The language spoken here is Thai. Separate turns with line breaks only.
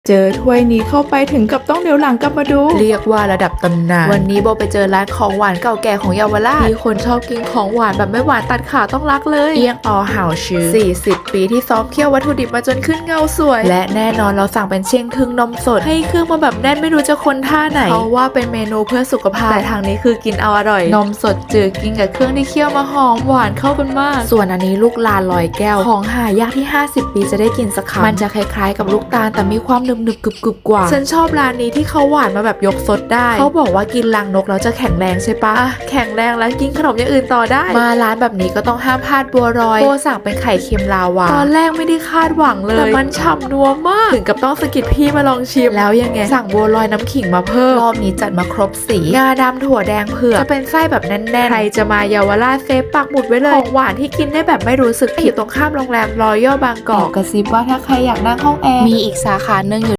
เจอถ้วยนี้เข้าไปถึงกับต้องเดี๋ยวหลังกลับมาดู
เรียกว่าระดับตำนานวันนี้โบไปเจอร้านของหวานเก่าแก่ของเยาวราชมีคนชอบกินของหวานแบบไม่หวานตัดขาต้องรักเลยเอียงอเห่าชื่อ40 ปีที่ซ้อมเคี่ยววัตถุดิบมาจนขึ้นเงาสวยและแน่นอนเราสั่งเป็นเชียงทึ่งนมสดให้เครื่องมาแบบแน่นไม่รู้จะคนท่าไหนเพราะว่าเป็นเมนูเพื่อสุขภาพแต่ทางนี้คือกินเอาอร่อยนมสดจืดกินกับเครื่องที่เคี่ยวมาหอมหวานเข้ากันมากส่วนอันนี้ลูกลานลอยแก้วของหายากที่50 ปีจะได้กินสักครั้งมันจะคล้ายๆกับลูกตาลแต่มีความหนึบๆกรึบๆกว่าฉันชอบร้านนี้ที่เขาหวานมาแบบยกซดได้เขาบอกว่ากินรังนกแล้วจะแข็งแรงใช่ปะแข็งแรงแล้วกินขนมอย่างอื่นต่อได้มาร้านแบบนี้ก็ต้องห้ามพลาดบัวลอยโบสั่งเป็นไข่เค็มลาวาตอนแรกไม่ได้คาดหวังเลยแต่มันฉ่ำนัวมากถึงกับต้องสะกิดพี่มาลองชิมแล้วยังไงสั่งบัวลอยน้ำขิงมาเพิ่มรอบนี้จัดมาครบสีงาดำถั่วแดงเผือกจะเป็นไส้แบบแน่นๆใครจะมาเยาวราชเซฟปักหมุดไว้เลยของหวานที่กินได้แบบไม่รู้สึกผิดตรงข้ามโรงแรมรอยัลบางกอกกระซิบว่าถ้าใครอยากนั่งห้องแอร์มีอีกสาขาหนึ่ง